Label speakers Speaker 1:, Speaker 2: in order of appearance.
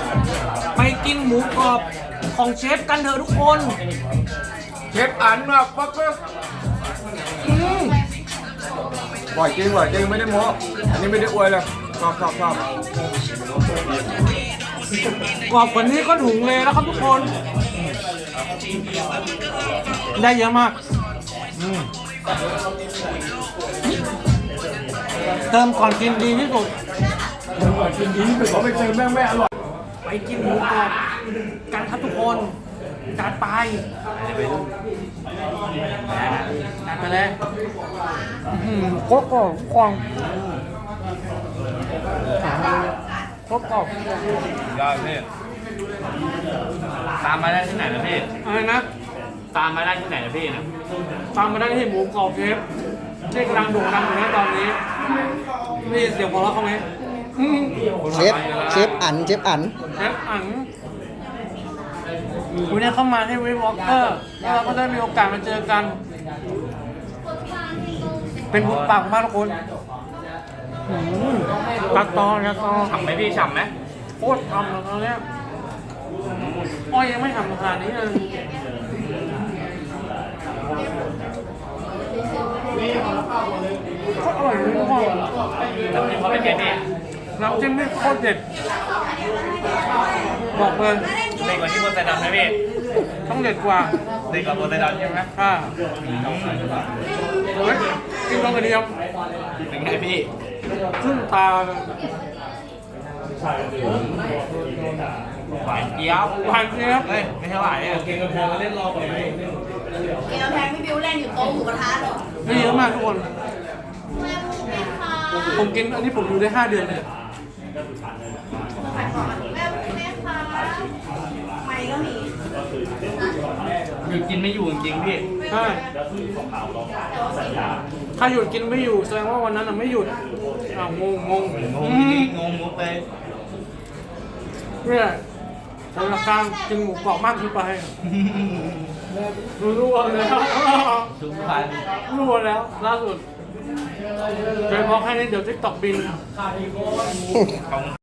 Speaker 1: ไปกินหมูกรอบของเชฟกันเถอะทุกคน
Speaker 2: เชฟอันแบบปักเลยบ่อยจริงไม่ได้โม้อันนี้ไม่ได้อวยเลยชอบ
Speaker 1: กรอบกว่านี้ก็ถุงเลยแล้วครับทุกคน ได้เยอะมากเติมก่อนกินดีที่สุด
Speaker 2: จริงๆเขาไม่เจอแม่งไม่อร่อย
Speaker 1: ไปกินหมูกรอบกันครับทุกคนจัดไปจัดไปเลยโคตรกรอบกรอบโคตรกรอบ
Speaker 2: ยอดพี่
Speaker 3: ตามมาได้ที่ไหนนะพี่
Speaker 1: อะไรนะ
Speaker 3: ตามมาได้ที่ไหนนะพี่นะ
Speaker 1: ตามมาได้ที่หมูกรอบเชฟที่กำลังโด่งดังอยู่นะตอนนี้นี่เสียงหัวเราะเขาไหม
Speaker 4: เชฟอัน
Speaker 1: เชฟอั๋นวันนี้เข้ามาที่วิวอล์กเกอร์แล้วเราก็ได้มีโอกาสมาเจอกัน เป็นบุญปากมากทุกคนตัดตอน
Speaker 3: ฉ่ำไหมพี่ฉ่ำไหม
Speaker 1: โคตรทำแล้วตอนเนี้ยอ้อยยังไม่ทำขนาดนี้เลยโคตรอร่อยเลยทุกคน
Speaker 3: แล้วพี่เขาเป็นไงพี่
Speaker 1: น้ำจิ้มนี่โคตรเด็ดบอกเลย
Speaker 3: เด็กกว่าที่โพไซดอนไหมพี่
Speaker 1: ต้องเด็ดกว่า
Speaker 3: เด็กกว่าโพไซดอนใช่ไหม
Speaker 1: ค่ะเฮ้ยกินลงกระเทียม
Speaker 3: เป็นไงพี่
Speaker 1: ขึ้นตา
Speaker 3: หวานเจี๊ยบ
Speaker 1: หวานเจี๊ยบ
Speaker 3: เฮ้ยไม่เท่าไหร่เนี่ย
Speaker 5: เกมกำแพงพี่บิวเล่นอยู่โต๊ะหมูกระทะเหรอ
Speaker 1: ไม่เยอะมากทุกคน
Speaker 5: แม่พูดไหมคะ
Speaker 1: ผมกินอันนี้ผมอยู่ได้ 5 เดือนเลย
Speaker 5: แม่พูดไหมคะไม่ก็มี
Speaker 3: หยุดกินไม่อยู่จริงๆพี่
Speaker 1: ใช่ถ้าหยุดกินไม่อยู่แสดงว่าวันนั้นน่ะไม่หยุดอ้าวงง
Speaker 3: งงมุกเลย
Speaker 1: เนี่ยแต่ละการกินหมูกรอบมากขึ้นไปรู้แล้ว
Speaker 3: ทุกพัน
Speaker 1: รู้แล้วล่าสุดเป็นเพราะแค่นี้เดี๋ยวทิกตอกบิน
Speaker 3: ขอบคุณ